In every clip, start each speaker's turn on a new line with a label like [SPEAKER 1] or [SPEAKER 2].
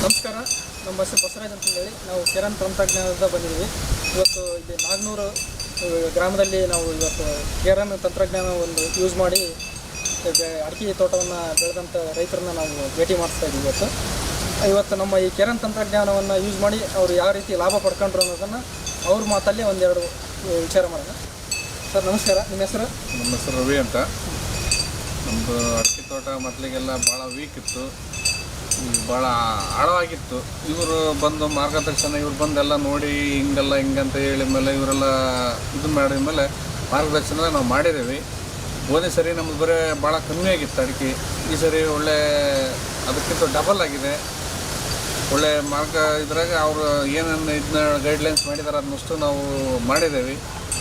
[SPEAKER 1] ನಮಸ್ಕಾರ, ನಮ್ಮ ಹೆಸರು ಬಸವರಾಜ್ ಅಂತಂದೇಳಿ ನಾವು ಕಿರಣ್ ತಂತ್ರಜ್ಞಾನದಿಂದ ಬಂದಿದ್ದೀವಿ. ಇವತ್ತು ಇಲ್ಲಿ ನಾಗನೂರು ಗ್ರಾಮದಲ್ಲಿ ನಾವು ಇವತ್ತು ಕಿರಣ್ ತಂತ್ರಜ್ಞಾನ ಒಂದು ಯೂಸ್ ಮಾಡಿ ಅಡಿಕೆ ತೋಟವನ್ನು ಬೆಳೆದಂಥ ರೈತರನ್ನ ನಾವು ಭೇಟಿ ಮಾಡಿಸ್ತಾ ಇದ್ದೀವಿ. ಇವತ್ತು ನಮ್ಮ ಈ ಕಿರಣ್ ತಂತ್ರಜ್ಞಾನವನ್ನು ಯೂಸ್ ಮಾಡಿ ಅವರು ಯಾವ ರೀತಿ ಲಾಭ ಪಡ್ಕೊಂಡ್ರು ಅನ್ನೋದನ್ನು ಅವ್ರ ಮಾತಲ್ಲಿ ಒಂದೆರಡು ವಿಚಾರ ಮಾಡೋಣ. ಸರ್ ನಮಸ್ಕಾರ, ನಿಮ್ಮ ಹೆಸರು?
[SPEAKER 2] ನಮ್ಮ ಹೆಸರು ರವಿ ಅಂತ. ನಮ್ಮದು ಅಡಿಕೆ ತೋಟ ಮೊದಲಿಗೆಲ್ಲ ಭಾಳ ವೀಕ್ ಇತ್ತು, ಭಾಳ ಆಳವಾಗಿತ್ತು. ಇವರು ಬಂದು ಮಾರ್ಗದರ್ಶನ ಇವ್ರು ಬಂದೆಲ್ಲ ನೋಡಿ ಹಿಂಗಂತ ಹೇಳಿ ಮೇಲೆ ಇವರೆಲ್ಲ ಇದು ಮಾಡಿದ ಮೇಲೆ ಮಾರ್ಗದರ್ಶನ ನಾವು ಮಾಡಿದ್ದೀವಿ. ಹೋದ ಸರಿ ನಮ್ಮದು ಬರೀ ಭಾಳ ಕಮ್ಮಿ ಆಗಿತ್ತು ಅಡಿಕೆ. ಈ ಸರಿ ಒಳ್ಳೆ ಅದಕ್ಕಿಂತ ಡಬಲ್ ಆಗಿದೆ. ಒಳ್ಳೆ ಮಾರ್ಗ ಇದ್ರಾಗ ಅವರು ಏನೇನು ಇದನ್ನ ಗೈಡ್ಲೈನ್ಸ್ ಮಾಡಿದ್ದಾರೆ ಅದನ್ನಷ್ಟು ನಾವು ಮಾಡಿದ್ದೇವೆ.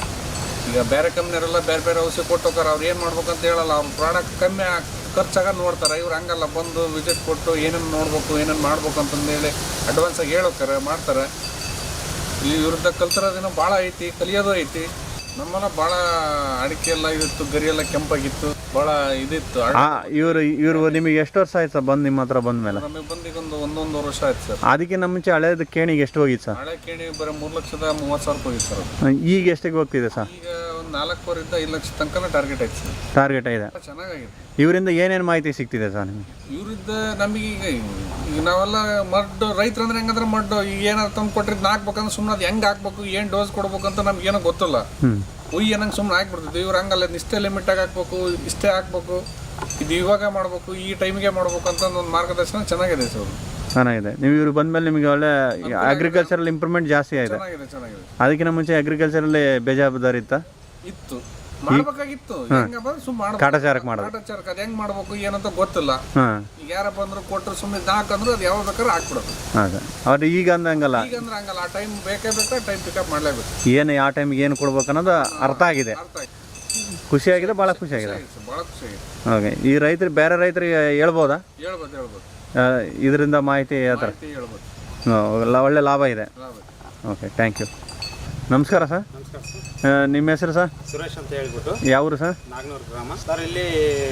[SPEAKER 2] ಈಗ ಬೇರೆ ಕಂಪ್ನಿಯವರೆಲ್ಲ ಬೇರೆ ಬೇರೆ ಔಷಧಿ ಕೊಟ್ಟು ಹೋಗಾರೆ, ಅವ್ರು ಏನು ಮಾಡ್ಬೇಕಂತ ಹೇಳಲ್ಲ. ಅವ್ರ ಪ್ರಾಡಕ್ಟ್ ಕಮ್ಮಿ ಖರ್ಚಾಗ ನೋಡ್ತಾರೆ. ಇವ್ರು ಹಂಗಲ್ಲ, ಬಂದು ವಿಸಿಟ್ ಕೊಟ್ಟು ಏನೇನು ನೋಡ್ಬೇಕು ಏನೇನು ಮಾಡ್ಬೇಕು ಅಂತಂದೇಳಿ ಅಡ್ವಾನ್ಸಾಗಿ ಹೇಳೋಕ್ತಾರೆ, ಮಾಡ್ತಾರೆ. ಇಲ್ಲಿ ಇವ್ರದ್ದು ಕಲ್ತಿರೋದೇನೋ ಭಾಳ ಐತಿ, ಕಲಿಯೋದು ಐತಿ. ನಮ್ಮೆಲ್ಲ ಭಾಳ ಅಡಿಕೆ ಎಲ್ಲ ಇದಿತ್ತು, ಗರಿ ಎಲ್ಲ ಕೆಂಪಾಗಿತ್ತು, ಭಾಳ ಇದಿತ್ತು.
[SPEAKER 3] ಇವರು ನಿಮಗೆ ಎಷ್ಟು ವರ್ಷ ಆಯ್ತು ಸರ್ ಬಂದು ನಿಮ್ಮ ಹತ್ರ ಬಂದ ಮೇಲೆ?
[SPEAKER 2] ನಮಗೆ ಬಂದು ಈಗ ಒಂದೊಂದು ವರ್ಷ ಆಯ್ತು ಸರ್.
[SPEAKER 3] ಅದಕ್ಕೆ ನಮ್ಮ ಮುಂಚೆ ಹಳೇದು ಕೇಣಿಗೆ ಎಷ್ಟು ಹೋಗಿತ್ತು ಸರ್?
[SPEAKER 2] ಹಳೆ ಕೇಣಿ ಬರೀ 3,30,000 ಹೋಗಿತ್ತು ಸರ್.
[SPEAKER 3] ಈಗ ಎಷ್ಟಿಗೆ ಹೋಗ್ತಿದೆ ಸರ್?
[SPEAKER 2] ಈಗ ಒಂದು 4,500,000 5 ಲಕ್ಷ ತನಕ ಟಾರ್ಗೆಟ್ ಆಯ್ತು ಸರ್.
[SPEAKER 3] ಟಾರ್ಗೆಟ್ ಇದೆ.
[SPEAKER 2] ಚೆನ್ನಾಗಿದೆ.
[SPEAKER 3] ಇವರಿಂದ ಏನೇನು ಮಾಹಿತಿ ಸಿಗ್ತಿದೆ ಸರ್ ನಿಮಗೆ?
[SPEAKER 2] ಇವ್ರದ್ದು ನಮಗೆ ಈಗ ನಾವೆಲ್ಲ ಮಡ್ಡು ರೈತರು ಅಂದ್ರೆ ಹೆಂಗಂದ್ರೆ ಮಡ್ಡು ಈಗ ಏನಾದ್ರು ತಂದು ಕೊಟ್ಟಿದ್ದು ಹಾಕ್ಬೇಕಂದ್ರೆ ಸುಮ್ಮನೆ ಅದು ಹೆಂಗೆ ಹಾಕ್ಬೇಕು, ಏನು ಡೋಸ್ ಕೊಡ್ಬೇಕು ಅಂತ ನಮ್ಗೇನೋ ಗೊತ್ತಿಲ್ಲ. ಏನಂಗೆ ಸುಮ್ಮನೆ ಹಾಕ್ಬಿಡ್ತಿದ್ವಿ. ಇವ್ರು ಹಂಗಲ್ಲ, ಇಷ್ಟೇ ಲಿಮಿಟಾಗಿ ಹಾಕ್ಬೇಕು, ಇಷ್ಟೇ ಹಾಕ್ಬೇಕು, ಇದು ಇವಾಗ ಮಾಡ್ಬೇಕು, ಈ ಟೈಮಿಗೆ ಮಾಡ್ಬೇಕು ಅಂತ ಒಂದು ಮಾರ್ಗದರ್ಶನ ಚೆನ್ನಾಗಿದೆ ಸರ್.
[SPEAKER 3] ಚೆನ್ನಾಗಿದೆ. ನೀವು ಇವ್ರು ಬಂದಮೇಲೆ ನಿಮಗೆ ಒಳ್ಳೆ ಅಗ್ರಿಕಲ್ಚರಲ್ ಇಂಪ್ರೂವ್ಮೆಂಟ್ ಜಾಸ್ತಿ ಆಗಿದೆ.
[SPEAKER 2] ಚೆನ್ನಾಗಿದೆ.
[SPEAKER 3] ಅದಕ್ಕಿಂತ ಮುಂಚೆ ಅಗ್ರಿಕಲ್ಚರಲ್ಲಿ ಬೇಜವಾಬ್ದಾರಿ
[SPEAKER 2] ಇತ್ತು, ಮಾಡ್ಬೇಕಾಗಿತ್ತು.
[SPEAKER 3] ಕಾಟಾಚಾರಕ್ಕೆ ಮಾಡೋದು,
[SPEAKER 2] ಅದು ಹೆಂಗ್ ಮಾಡ್ಬೇಕು ಏನಂತ ಗೊತ್ತಿಲ್ಲ. ಈಗ ಯಾರ ಬಂದ್ರು ಕೊಟ್ಟರು ಸುಮ್ಮನೆ ಹಾಕಂದ್ರು ಅದು ಯಾವಾಗ ಬೇಕಾದ್ರೆ ಹಾಕ್ಬಿಡೋದು.
[SPEAKER 3] ಅವ್ರು ಈಗ ಅಂದಂಗಲ್ಲ,
[SPEAKER 2] ಈಗ ಅಂದ್ರೆ ಹಂಗಲ್ಲ. ಆ ಟೈಮ್ ಬೇಕೇ ಟೈಮ್ ಪಿಕಪ್ ಮಾಡ್ಲೇಬೇಕು.
[SPEAKER 3] ಏನು ಯಾವ ಟೈಮಿಗೆ ಏನು ಕೊಡ್ಬೇಕು ಅನ್ನೋದು ಅರ್ಥ ಆಗಿದೆ. ಖುಷಿಯಾಗಿದೆ, ಭಾಳ ಖುಷಿಯಾಗಿದೆ. ಓಕೆ. ಈ ರೈತರು ಬೇರೆ ರೈತರಿಗೆ ಹೇಳ್ಬೋದಾ?
[SPEAKER 2] ಹೇಳ್ಬೋದು.
[SPEAKER 3] ಇದರಿಂದ ಮಾಹಿತಿ ಯಾವ ಥರ? ಒಳ್ಳೆ ಲಾಭ ಇದೆ. Okay, thank you. ನಮಸ್ಕಾರ ಸರ್.
[SPEAKER 4] ನಮಸ್ಕಾರ ಸರ್.
[SPEAKER 3] ನಿಮ್ಮ ಹೆಸರು ಸರ್?
[SPEAKER 4] ಸುರೇಶ್ ಅಂತ ಹೇಳ್ಬಿಟ್ಟು.
[SPEAKER 3] ಯಾವರು ಸರ್?
[SPEAKER 4] ನಾಗನೂರು ಗ್ರಾಮ ಸರ್. ಇಲ್ಲಿ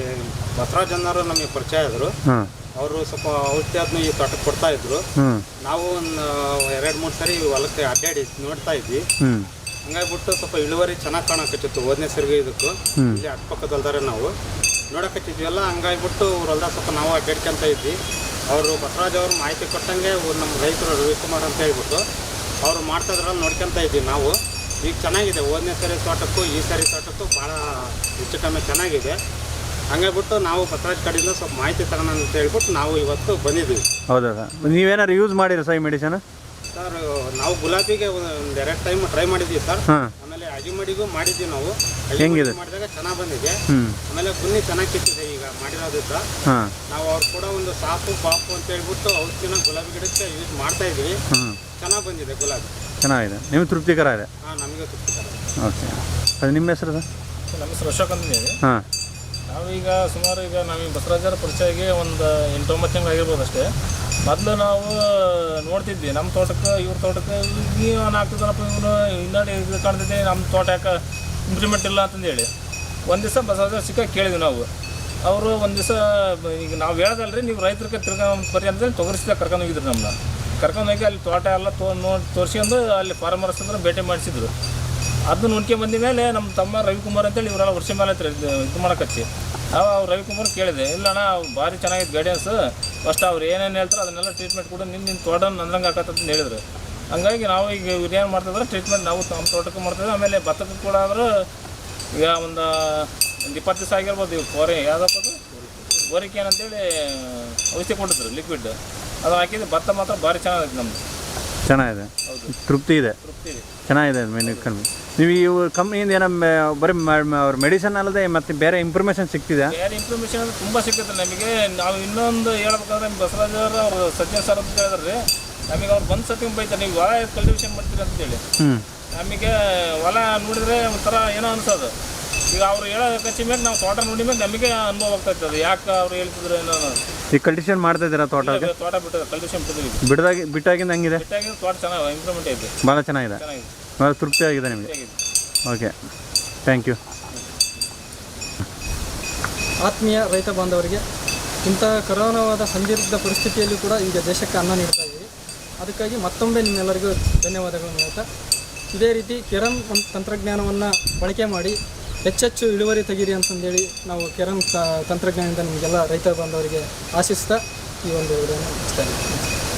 [SPEAKER 4] ಬಸವರಾಜ್ ಅನ್ನೋರು ನಮಗೆ ಪರಿಚಯ ಆದರು. ಅವರು ಸ್ವಲ್ಪ ಔಷಧಿ ಈ ತೋಟಕ್ಕೆ ಕೊಡ್ತಾ ಇದ್ರು. ನಾವು ಒಂದು 2-3 ಸರಿ ಹೊಲಕ್ಕೆ ಅಡ್ಡಾಡಿ ನೋಡ್ತಾ ಇದ್ವಿ. ಹಂಗಾಗ್ಬಿಟ್ಟು ಸ್ವಲ್ಪ ಇಳುವರಿ ಚೆನ್ನಾಗಿ ಕಾಣಕತ್ತಿತ್ತು. ಹೋದನೇ ಸರಿಗೆ ಇದಕ್ಕೂ ಇಲ್ಲಿ ಅಕ್ಕಪಕ್ಕದಲ್ದಾರೆ ನಾವು ನೋಡಕತ್ತಿದ್ವಿ. ಹಂಗಾಗ್ಬಿಟ್ಟು ಹೊಲ್ದಾಗ ಸ್ವಲ್ಪ ನಾವು ಅಡ್ಡಾಡ್ಕೊಂತ ಇದ್ವಿ. ಅವರು ಬಸವರಾಜ್ ಅವರು ಮಾಹಿತಿ ಕೊಟ್ಟಂಗೆ ನಮ್ಮ ರೈತರು ರವಿಕುಮಾರ್ ಅಂತ ಹೇಳ್ಬಿಟ್ಟು ಅವರು ಮಾಡ್ತಾಯಿದ್ರಲ್ಲ ನೋಡ್ಕೊಂತ ಇದ್ವಿ ನಾವು. ಈಗ ಚೆನ್ನಾಗಿದೆ. ಹೋದನೇ ಸರಿ ತೋಟಕ್ಕೂ ಈ ಸರಿ ತೋಟಕ್ಕೂ ಭಾಳ ಹೆಚ್ಚು ಕಮ್ಮಿ ಚೆನ್ನಾಗಿದೆ. ಹಂಗಾಗ್ಬಿಟ್ಟು ನಾವು ಬಸವರಾಜ್ ಕಡೆಯಿಂದ ಸ್ವಲ್ಪ ಮಾಹಿತಿ ತಗೋಣ ಅಂತ ಹೇಳ್ಬಿಟ್ಟು ನಾವು ಇವತ್ತು ಬಂದಿದ್ದೀವಿ.
[SPEAKER 3] ಹೌದಾ ಸರ್? ನೀವೇನಾದ್ರು ಯೂಸ್ ಮಾಡಿರ ಸರ್ ಈ ಮೆಡಿಸನ್?
[SPEAKER 4] ಸರ್ ನಾವು ಗುಲಾಬಿಗೆ ಒಂದು 2 ಟೈಮ್ ಟ್ರೈ ಮಾಡಿದ್ವಿ ಸರ್. ಆಮೇಲೆ ಅಜಿಮಡಿಗೂ ಮಾಡಿದ್ವಿ ನಾವು.
[SPEAKER 3] ಹೆಂಗಿದೆ?
[SPEAKER 4] ಮಾಡಿದಾಗ ಚೆನ್ನಾಗಿ ಬಂದಿದೆ. ಆಮೇಲೆ ಗುನ್ನಿ ಚೆನ್ನಾಗಿ ಕಿತ್ತಿದೆ ಈಗ ಮಾಡಿರೋದ್ರಿಂದ. ನಾವು ಅವ್ರು ಕೂಡ ಒಂದು ಸಾಪು ಪಾಪು ಅಂತ ಹೇಳ್ಬಿಟ್ಟು ಔಷಧಿನ ಗುಲಾಬಿ ಗಿಡಕ್ಕೆ ಯೂಸ್ ಮಾಡ್ತಾ ಇದ್ವಿ. ಚೆನ್ನಾಗಿ ಬಂದಿದೆ ಗುಲಾಬಿ.
[SPEAKER 3] ಚೆನ್ನಾಗಿದೆ. ನಿಮ್ಗೆ ತೃಪ್ತಿಕರ ಇದೆ?
[SPEAKER 4] ನಮಗೆ ತೃಪ್ತಿಕರ.
[SPEAKER 3] ಓಕೆ. ಅದು ನಿಮ್ಮ ಹೆಸರು ಸರ್?
[SPEAKER 1] ನಮ್ಮ ಹೆಸರು ಅಶೋಕ್ ಅಂತೇಳಿ.
[SPEAKER 3] ನಾವೀಗ
[SPEAKER 1] ಸುಮಾರು ನಮಗೆ ಬಸವರಾಜರ ಪರಿಚಯಗೆ ಒಂದು 8-9 ತಿಂಗಳು ಆಗಿರ್ಬೋದು ಅಷ್ಟೇ. ಮೊದಲು ನಾವು ನೋಡ್ತಿದ್ವಿ ನಮ್ಮ ತೋಟಕ್ಕೆ ಇವ್ರ ತೋಟಕ್ಕೆ ನೀವು ಆಗ್ತದನಪ್ಪ, ಇವನು ಇನ್ನಡಿ ಇದು ಕಾಣ್ತಿದ್ದೆ, ನಮ್ಮ ತೋಟ ಯಾಕೆ ಇಂಪ್ರೂವ್ಮೆಂಟ್ ಇಲ್ಲ ಅಂತಂದೇಳಿ ಒಂದು ದಿವಸ ಬಸವರಾಜರ ಸಿಕ್ಕ ಕೇಳಿದ್ವಿ ನಾವು. ಅವರು ಒಂದು ದಿವಸ ಈಗ ನಾವು ಹೇಳೋದಲ್ರಿ, ನೀವು ರೈತರಿಗೆ ಬರ್ರಿ ಅಂತೇಳಿ ತೊಗರಿಸಿದ ಕರ್ಕೊಂಡು ಹೋಗಿದ್ರು. ನಮ್ಮನ್ನ ಕರ್ಕೊಂಡು ಹೋಗಿ ಅಲ್ಲಿ ತೋಟ ಎಲ್ಲ ತೋರಿಸ್ಕೊಂಡು ಅಲ್ಲಿ ಫಾರ್ಮರ್ಸ್ ಅಂದ್ರೆ ಭೇಟಿ ಮಾಡಿಸಿದ್ರು. ಅದನ್ನ ನೋಡ್ಕೊಂಡು ಬಂದ ಮೇಲೆ ನಮ್ಮ ತಮ್ಮ ರವಿಕುಮಾರ್ ಅಂತೇಳಿ ಇವರೆಲ್ಲ ವರ್ಷ ಮೇಲೆ ಇದು ಮಾಡೋಕಚ್ಚಿ ಅವ್ರು ರವಿಕುಮಾರ್ ಕೇಳಿದೆ. ಇಲ್ಲಣ್ಣ ಭಾರಿ ಚೆನ್ನಾಗಿತ್ತು ಗೈಡೆನ್ಸ್. ಫಸ್ಟ್ ಅವ್ರು ಏನೇನು ಹೇಳ್ತಾರೆ ಅದನ್ನೆಲ್ಲ ಟ್ರೀಟ್ಮೆಂಟ್ ಕೂಡ ನಿನ್ನ ತೋಟ ನಂದಂಗೆ ಹಾಕತ್ತಂತ ಹೇಳಿದ್ರು. ಹಂಗಾಗಿ ನಾವು ಈಗ ಇವ್ರು ಏನು ಮಾಡ್ತಿದ್ರೆ ಟ್ರೀಟ್ಮೆಂಟ್ ನಾವು ನಮ್ಮ ತೋಟಕ್ಕೆ ಮಾಡ್ತಿದ್ವಿ. ಆಮೇಲೆ ಭತ್ತಕ್ಕೆ ಕೂಡ ಆದರೂ ಈಗ ಒಂದು 20 ದಿವಸ ಆಗಿರ್ಬೋದು. ಇವ್ರು ಯಾವುದಪ್ಪ ಅದು ಗೋರಿಕೆ ಏನಂತೇಳಿ ಔಷಧಿ ಕೊಟ್ಟಿದ್ರು ಲಿಕ್ವಿಡ್. ಅದು ಹಾಕಿದ್ದು ಭತ್ತ ಮಾತ್ರ ಭಾರಿ ಚೆನ್ನಾಗಿದೆ. ನಮ್ಮದು
[SPEAKER 3] ಚೆನ್ನಾಗಿದೆ.
[SPEAKER 1] ಹೌದು,
[SPEAKER 3] ತೃಪ್ತಿ ಇದೆ. ಚೆನ್ನಾಗಿದೆ. ನೀವು ಇವು ಕಂಪ್ನಿಯಿಂದ ಏನೋ ಬರೀ ಅವ್ರ ಮೆಡಿಸನ್ ಅಲ್ಲದೆ ಮತ್ತೆ ಬೇರೆ ಇನ್ಫಾರ್ಮೇಷನ್ ಸಿಗ್ತಿದೆ?
[SPEAKER 1] ಬೇರೆ ಇನ್ಫಾರ್ಮೇಷನ್ ಅಂದರೆ ತುಂಬ ಸಿಗ್ತದೆ ನಮಗೆ. ನಾವು ಇನ್ನೊಂದು ಹೇಳ್ಬೇಕಾದ್ರೆ ಬಸವರಾಜ್ ಅವರು ಸಜ್ಜನ್ ಸರ್ ಅಂತ ಹೇಳಿದ್ರಿ, ನಮಗೆ ಅವ್ರು ಬಂದು ಸತಿ ಬೈತಾರೆ, ನೀವು ಹೊಲ ಕಲ್ಟಿವೇಷನ್ ಮಾಡ್ತೀರಿ ಅಂತೇಳಿ. ನಮಗೆ ಹೊಲ ನೋಡಿದರೆ ಒಂಥರ ಏನೋ ಅನ್ಸೋದು. ಈಗ ಅವ್ರು ಹೇಳೋ ಕಚ್ಚಿ ಮೇಲೆ ನಾವು ತೋಟ ನೋಡಿ ಮೇಲೆ ನಮಗೆ ಅನುಭವ ಆಗ್ತಾ ಇರ್ತದೆ. ಯಾಕೆ ಅವ್ರು ಹೇಳ್ತಿದ್ರು ಏನೋ.
[SPEAKER 3] ಈಗ ಕಲ್ಟಿವೇಷನ್ ಮಾಡ್ತಾ ಇದ್ದೀರಾ ತೋಟ?
[SPEAKER 1] ತೋಟ ಬಿಟ್ಟಿದೆ, ಕಲ್ಟಿವೇಷನ್ ಬಿಟ್ಟಿದ್ದೀವಿ.
[SPEAKER 3] ಬಿಟ್ಟಾಗಿಂದ ಹಂಗಿದೆ?
[SPEAKER 1] ಬಿಟ್ಟಾಗಿಂದ ತೋಟ ಚೆನ್ನಾಗಿ ಇಂಪ್ರೂವ್ಮೆಂಟ್ ಐತೆ,
[SPEAKER 3] ಭಾಳ ಚೆನ್ನಾಗಿದೆ. ಭಾಳ ತೃಪ್ತಿ ಆಗಿದೆ ನಿಮಗೆ? Okay, thank you.
[SPEAKER 1] ಆತ್ಮೀಯ ರೈತ ಬಾಂಧವರಿಗೆ
[SPEAKER 5] ಇಂತಹ ಕರೋನಾವಾದ ಸಂದಿಗ್ಧ ಪರಿಸ್ಥಿತಿಯಲ್ಲಿ ಕೂಡ ಈಗ ದೇಶಕ್ಕೆ ಅನ್ನ ನೀಡ್ತಾ ಇದ್ದೀವಿ. ಅದಕ್ಕಾಗಿ ಮತ್ತೊಮ್ಮೆ ನಿಮ್ಮೆಲ್ಲರಿಗೂ ಧನ್ಯವಾದಗಳನ್ನು ಹೇಳ್ತಾ, ಇದೇ ರೀತಿ ಕೆರಮ್ ತಂತ್ರಜ್ಞಾನವನ್ನು ಬಳಕೆ ಮಾಡಿ ಹೆಚ್ಚೆಚ್ಚು ಇಳುವರಿ ತೆಗೀರಿ ಅಂತಂದೇಳಿ ನಾವು ಕೆರಮ್ ತಂತ್ರಜ್ಞಾನದಿಂದ ನಿಮಗೆಲ್ಲ ರೈತ ಬಾಂಧವರಿಗೆ ಆಶಿಸ್ತಾ ಈ ಒಂದು ವಿಡಿಯೋನ ಮುಗಿಸ್ತಾ ಇದ್ದೀವಿ.